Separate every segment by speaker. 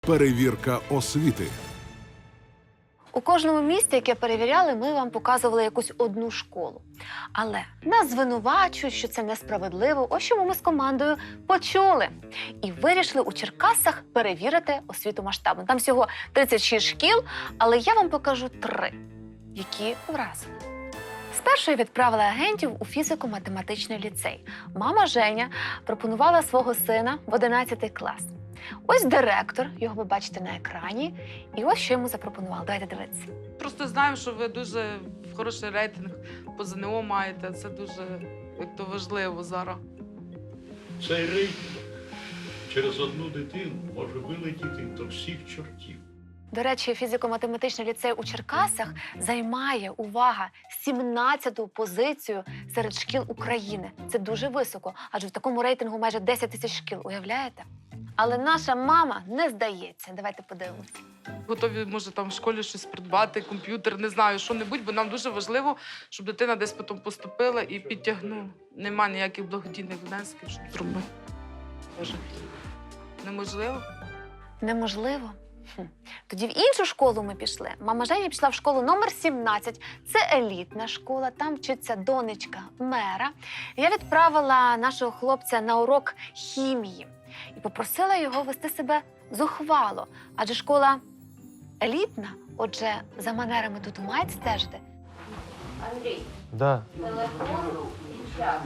Speaker 1: Перевірка освіти.
Speaker 2: У кожному місті, яке перевіряли, ми вам показували якусь одну школу. Але нас звинувачують, що це несправедливо. Ось чому ми з командою почули. І вирішили у Черкасах перевірити освіту масштабно. Там всього 36 шкіл, але я вам покажу 3, які вразили. Спершу я відправила агентів у фізико-математичний ліцей. Мама Женя пропонувала свого сина в 11 клас. Ось директор, його ви бачите на екрані, і ось що йому запропонували. Давайте дивитися.
Speaker 3: Просто знаємо, що ви дуже хороший рейтинг по ЗНО маєте. Це дуже важливо зараз.
Speaker 4: Цей рейтинг через одну дитину може вилетіти до всіх чортів.
Speaker 2: До речі, фізико-математичний ліцей у Черкасах займає, увага, 17-ту позицію серед шкіл України. Це дуже високо, адже в такому рейтингу майже 10 тисяч шкіл, уявляєте? Але наша мама не здається. Давайте подивимося.
Speaker 3: Готові, може, там в школі щось придбати, комп'ютер, не знаю, що-небудь, бо нам дуже важливо, щоб дитина десь потім поступила і підтягнула. Нема ніяких благодійних внесків, щоб зробити. Може, неможливо?
Speaker 2: Неможливо? Тоді в іншу школу ми пішли. Мама Женя пішла в школу номер 17. Це елітна школа, там вчиться донечка мера. Я відправила нашого хлопця на урок хімії і попросила його вести себе зухвало. Адже школа елітна, отже, за манерами тут мають стежити.
Speaker 5: Андрій,
Speaker 6: Да.
Speaker 5: телефон і час.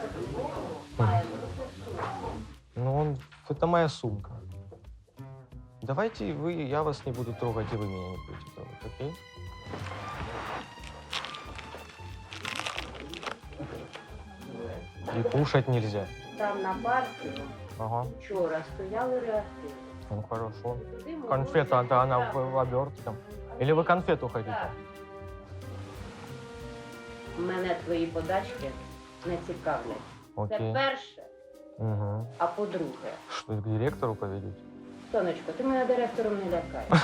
Speaker 6: Ну, это моя сумка. Давайте я вас не буду трогать, и вы меня не будете трогать, окей? И кушать нельзя.
Speaker 5: Там на парку
Speaker 6: Ага,
Speaker 5: вчора стояли реактиви.
Speaker 6: ну хорошо.
Speaker 5: Туди можна
Speaker 6: Конфета, да, она
Speaker 5: Так.
Speaker 6: в обертке. Или вы конфету хотите?
Speaker 5: Так. Мене твої подачки не цікавлять. Це
Speaker 6: Окей.
Speaker 5: перше,
Speaker 6: Угу.
Speaker 5: а по-друге,
Speaker 6: Что, к директору поведете?
Speaker 5: сонечко, ти мене директором не лякаєш.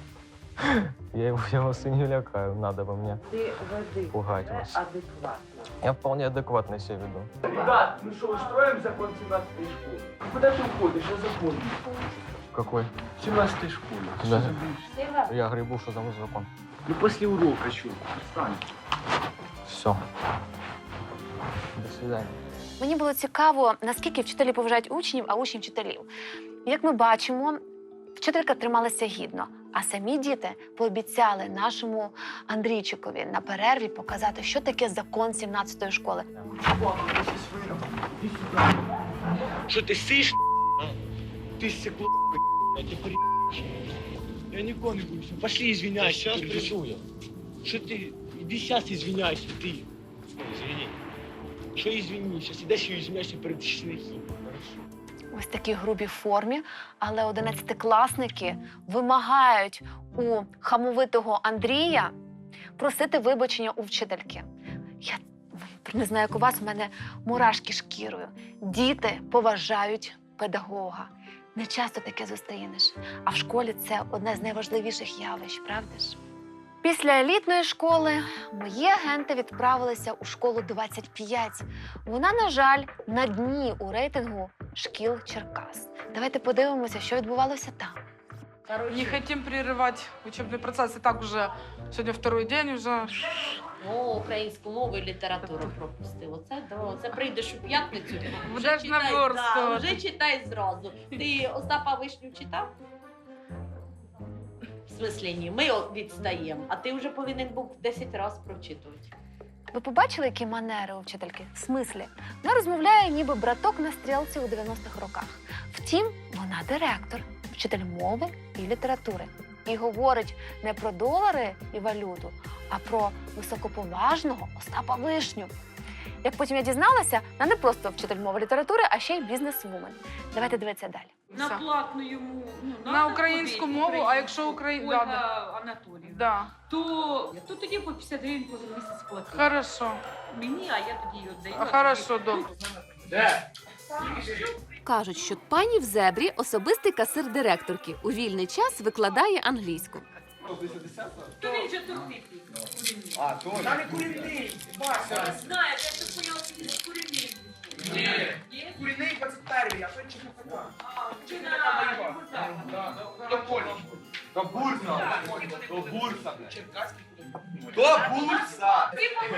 Speaker 6: Я вас и не лякаю, надо бы мне.
Speaker 5: Ти веди
Speaker 6: Пугать
Speaker 5: себе
Speaker 6: вас.
Speaker 5: адекватно.
Speaker 6: Я вполне адекватно себя веду.
Speaker 7: Ребят, мы что, устроим закон 17-й школы? Куда ты уходишь? Я запомню.
Speaker 6: Какой?
Speaker 7: 17-й школе. Ты
Speaker 6: Да.
Speaker 7: что забудешь?
Speaker 5: Сіга,
Speaker 6: Я грибу, что там за закон.
Speaker 7: Ну, после урока, чё? Встань.
Speaker 6: Все. До свидания.
Speaker 2: Мені було цікаво, наскільки вчителі поважають учнів, а учні вчителів. Як ми бачимо, вчителька трималася гідно, а самі діти пообіцяли нашому Андрійчикові на перерві показати, що таке закон 17-ї школи.
Speaker 7: Что ты сышь? Ты стекло, я тебе Я никого не буду. Пошли извиняйся.
Speaker 6: Сейчас
Speaker 7: перед
Speaker 6: приду я.
Speaker 7: Что ты? Иди сейчас извиняйся, ты.
Speaker 6: Извини.
Speaker 7: Что извини? Сейчас иди еще извиняйся перед Шнехи.
Speaker 2: Ось такій грубій формі, але 11-класники вимагають у хамовитого Андрія просити вибачення у вчительки. Я не знаю, як у вас, у мене мурашки шкірою. Діти поважають педагога. Не часто таке зустрінеш. А в школі це одне з найважливіших явищ, правда ж? Після елітної школи мої агенти відправилися у школу 25. Вона, на жаль, на дні у рейтингу шкіл Черкас. Давайте подивимося, що відбувалося там.
Speaker 3: Не хотим прерывать учебный процесс. И так уже сегодня второй день уже.
Speaker 5: ну, українську мову і літературу пропустив. Оце прийдеш у п'ятницю,
Speaker 3: Будеш наверстувати.
Speaker 5: вже читай зразу. Ти Остапа Вишню читав? В смислі ні, ми відстаємо, а ти вже повинен був 10 разів прочитувати.
Speaker 2: Ви побачили, які манери у вчительки? В смислі? Вона розмовляє, ніби браток на стрілці у 90-х роках. Втім, вона директор, вчитель мови і літератури. І говорить не про долари і валюту, а про високоповажного Остапа Вишню. Як потім я дізналася, вона не просто вчитель мови і літератури, а ще й бізнес-вумен. Давайте дивитися далі.
Speaker 8: На
Speaker 3: Все.
Speaker 8: платну йому, ну,
Speaker 3: На українську мову, а якщо
Speaker 8: Ольга
Speaker 3: Да,
Speaker 8: Анатоліївна,
Speaker 3: да.
Speaker 8: то тоді по 50 гривень кожен місяць платить.
Speaker 3: Хорошо.
Speaker 8: Мені, а я тоді її віддаю.
Speaker 3: Хорошо, добре.
Speaker 7: Да.
Speaker 9: Кажуть, що пані в зебрі – особистий касир директорки. У вільний час викладає англійську.
Speaker 8: То він же турбітний.
Speaker 7: А, тоже.
Speaker 8: Знає, я так поняла, що він курені.
Speaker 10: Курінний 21-й, а той ЧКПК. ЧКПК воював. До полі. До Бурса. До Бурса. Черкаський. До Бурса.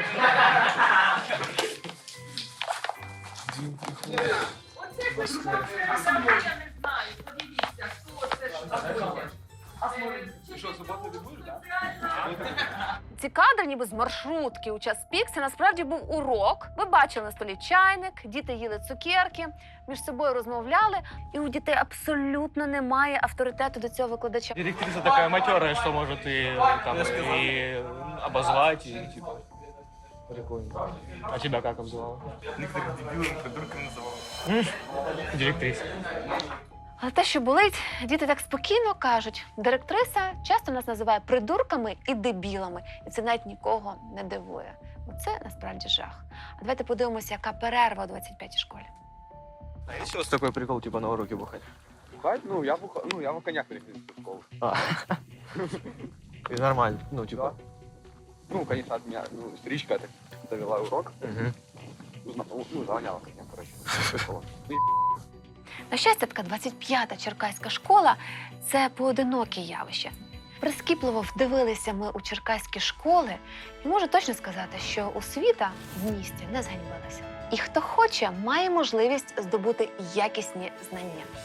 Speaker 8: Оце пошла, я не знаю. Подивіться, хто це, що таке.
Speaker 10: Що, суботу не будеш, так?
Speaker 2: Ці кадри ніби з маршрутки у час пік. Це насправді був урок. Ви бачили на столі чайник, діти їли цукерки, між собою розмовляли, і у дітей абсолютно немає авторитету до цього викладача.
Speaker 7: Директриса такая матерая, что может и, там, и обозвать, и типа... Прикольно. А тебя как обзывала?
Speaker 10: Некоторых дебилов придурками называл.
Speaker 7: Директриса.
Speaker 2: Але те, що болить, діти так спокійно кажуть. Директриса часто нас називає придурками і дебілами, і це навіть нікого не дивує. Бо це насправді жах. А давайте подивимося, яка перерва у 25-й школі.
Speaker 6: А есть у вас такой прикол, типа на уроке бухать?
Speaker 10: Бухать? Ну, я в коньяк переходил в школу.
Speaker 6: И нормально, ну, типа...
Speaker 10: Ну, конечно, от меня, историчка так довела урок.
Speaker 6: Мгм.
Speaker 10: Загоняла коньяк, короче.
Speaker 2: На щастя, така 25-та черкаська школа – це поодиноке явище. Прискіпливо вдивилися ми у черкаські школи, і можу точно сказати, що освіта в місті не зганьбилася. І хто хоче, має можливість здобути якісні знання.